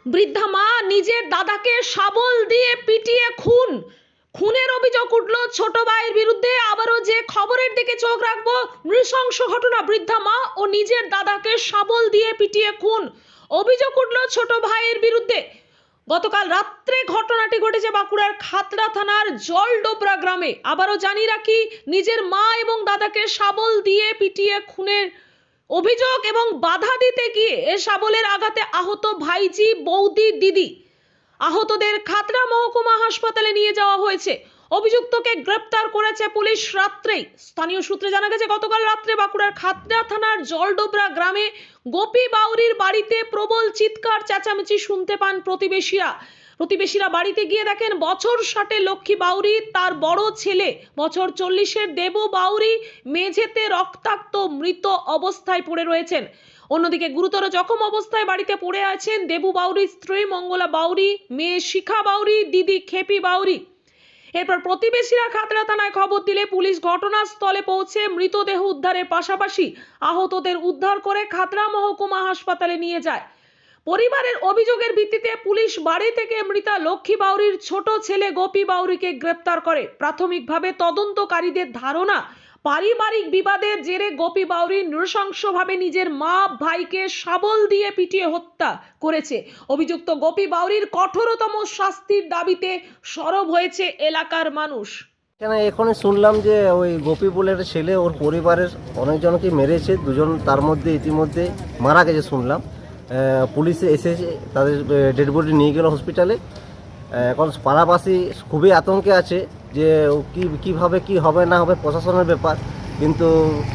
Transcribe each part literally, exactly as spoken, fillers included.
বৃদ্ধা মা নিজের দাদাকে শাবল দিয়ে পিটিয়ে খুন। খুনের অভিযোগ উঠল ছোট ভাইয়ের বিরুদ্ধে। আবারও যে খবরের দিকে চোখ রাখবো, নৃশংস ঘটনা। বৃদ্ধা মা ও নিজের দাদাকে শাবল দিয়ে পিটিয়ে খুন, অভিযোগ উঠল ছোট ভাইয়ের বিরুদ্ধে। গতকাল রাত্রে ঘটনাটি ঘটেছে বাঁকুড়ার খাতড়া থানার জলডোবরা গ্রামে। আবারও জানিয়ে রাখি, নিজের মা এবং দাদাকে শাবল দিয়ে পিটিয়ে খুনের অভিযোগ এবং বাধা দিতে গিয়ে এ শাবলের আঘাতে আহত ভাইজি, বৌদি, দিদি। আহতদের খাতড়া মহকুমা হাসপাতালে নিয়ে যাওয়া হয়েছে। অভিযুক্তকে গ্রেপ্তার করেছে পুলিশ রাত্রেই। স্থানীয় সূত্রে জানা গেছে, গতকাল রাত্রে বাঁকুড়ার খাতড়া থানার জলডোবরা গ্রামে গোপী বাউরির বাড়িতে প্রবল চিৎকার চেঁচামেচি শুনতে পান প্রতিবেশীরা। প্রতিবেশীরা বাড়িতে গিয়ে দেখেন বছর ষাটে লক্ষ্মী বাউরি, তার বড় ছেলে বছর চল্লিশের দেবু বাউরি মেঝেতে রক্তাক্ত মৃত অবস্থায় পড়ে রয়েছেন। অন্যদিকে গুরুতর জখম অবস্থায় বাড়িতে পড়ে আছেন দেবু বাউরির স্ত্রী মঙ্গলা বাউরি, মেয়ে শিখা বাউরি, দিদি খেপি বাউরি। এরপর প্রতিবেশীরা খাতড়া থানায় খবর দিলে পুলিশ ঘটনাস্থলে পৌঁছে মৃতদেহ উদ্ধারের পাশাপাশি আহতদের উদ্ধার করে খাতড়া মহকুমা হাসপাতালে নিয়ে যায়। পরিবারের অভিযোগের ভিত্তিতে পুলিশ বাড়ি থেকে মৃতা লক্ষ্মী বাউরির ছোট ছেলে গোপী বাউরিকে গ্রেপ্তার করে। প্রাথমিকভাবে তদন্তকারীদের ধারণা, পারিবারিক বিবাদের জেরে গোপী বাউরি নৃশংসভাবে নিজের মা ভাইকে শাবল দিয়ে পিটিয়ে হত্যা করেছে। অভিযুক্ত গোপী বাউরির কঠোরতম শাস্তির দাবিতে সরব হয়েছে এলাকার মানুষ। এখানে এখন শুনলাম যে ওই গোপী বলের ছেলে ওর পরিবারের অনেকজনকে মেরেছে, দুজন তার মধ্যে ইতিমধ্যে মারা গেছে শুনলাম। পুলিশে এসেছে, তাদের ডেড বডি নিয়ে গেল হসপিটালে। এখন পাড়াবাসী খুবই আতঙ্কে আছে যে কি কীভাবে কি হবে না হবে, প্রশাসনের ব্যাপার। কিন্তু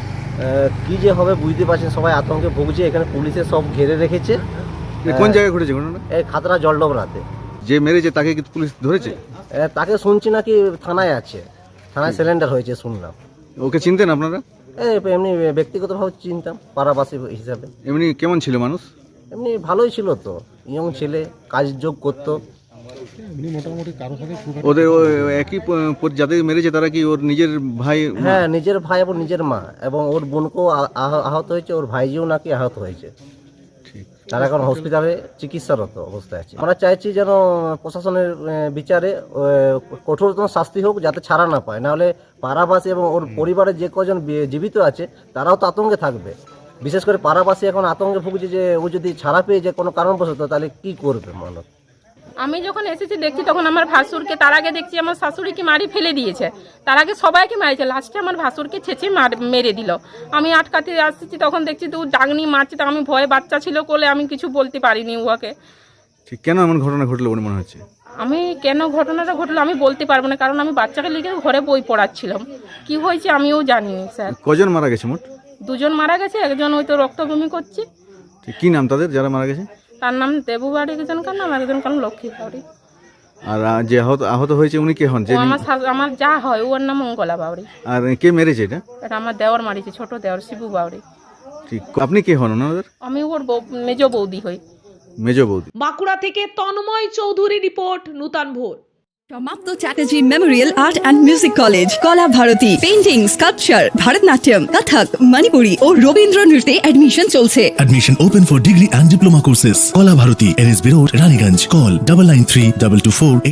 কি যে হবে বুঝতে পারছেন, সবাই আতঙ্কে ভুগছে। এখানে পুলিশে সব ঘিরে রেখেছে। কোন জায়গায় ঘটেছে ঘটনা? এই খাতড়া জলডোবরাতে। যে মেরেছে তাকে কি পুলিশ ধরেছে? তাকে শুনছি নাকি থানায় আছে, থানায় সিলিন্ডার হয়েছে শুনলাম। ওকে চিনতেন আপনারা? এই এমনি ব্যক্তিগতভাবে চিনতাম, পাড়াবাসী হিসাবে। এমনি কেমন ছিল মানুষ? এমনি ভালোই ছিল তো, ইয়ং ছেলে, কাজ যোগ করতো। ওদের একই প- যাদের মেরেছে তারা কি ওর নিজের ভাই? হ্যাঁ, নিজের ভাই এবং নিজের মা, এবং ওর বোনকেও আ- আহ- আহত হয়েছে, ওর ভাইজিও নাকি আহত হয়েছে। ঠিক। তারা এখন হসপিটালে চিকিৎসারত অবস্থায় আছে। আমরা চাইছি যেন প্রশাসনের আহ, বিচারে আহ, কঠোরতম শাস্তি হোক, যাতে ছাড়া না পায়। নাহলে পাড়াবাসী এবং ওর পরিবারের যে কজন বি- জীবিত আছে তারাও তো আতঙ্কে থাকবে। বিশেষ করে পাড়াবাসী এখন আতঙ্কে ভুগছে যে ও যদি ছাড়া পেয়ে যায় কোনো কারণবশত, তাহলে কি করবে মানুষ। আমি যখন এসেছি দেখছি তখন আমার ভাসুরকে, তার আগে দেখছি আমার শাশুড়িকে মারি ফেলে দিয়েছে, তার আগে সবাইকে মারিছে, লাস্টে আমার ভাসুরকে ছেঁচে মার মেরে দিল। আমি আটকাতে আসছি, তখন দেখছি তো ডাগনি মারছে, তো আমি ভয়ে, বাচ্চা ছিল কোলে, আমি কিছু বলতে পারিনি উহাকে। ঠিক, কেন এমন ঘটনা ঘটলো বলে মনে হচ্ছে? আমি কেন ঘটনাটা ঘটলো আমি বলতে পারবো না, কারণ আমি বাচ্চাকে লিখে ঘরে বই পড়াচ্ছিলাম। কি হয়েছে আমিও জানিনি স্যার। কজন মারা গেছে মোট? দুজন মারা গেছে, একজন ওই তো রক্তভূমি করছে। ঠিক, কি নাম তাদের যারা মারা গেছে? তার নাম দেবু বাড়ি, একজনকার নাম, একজনকার নাম লক্ষ্মী বাড়ি। আর আহ, যে আহত আহত হয়েছে উনি কে হন? যে ও আমার শাশু- আমার যা হয় ওর নাম মঙ্গলা বাউরি। আর কে মেরেছে এটা? এটা আমার দেওয়ার মারিছে, ছোট দেওয়ার শিবু বাউরি। ঠিক, আপনি কে হন ওনাদের? আমি ওর বউ- মেজ বৌদি হই। মেজ বৌদি। বাঁকুড়া থেকে তন্ময় চৌধুরী রিপোর্ট, নূতন ভোর। সমাপ্ত Chatterjee memorial art and music college, Kala Bharati, painting, sculpture, Bharatanatyam, Kathak, Manipuri ও রবীন্দ্র নৃত্যে অ্যাডমিশন চলছে। Admission open for degree and diploma courses. Kola Bharati, N S B Road, Raniganj. Call double nine three double two four.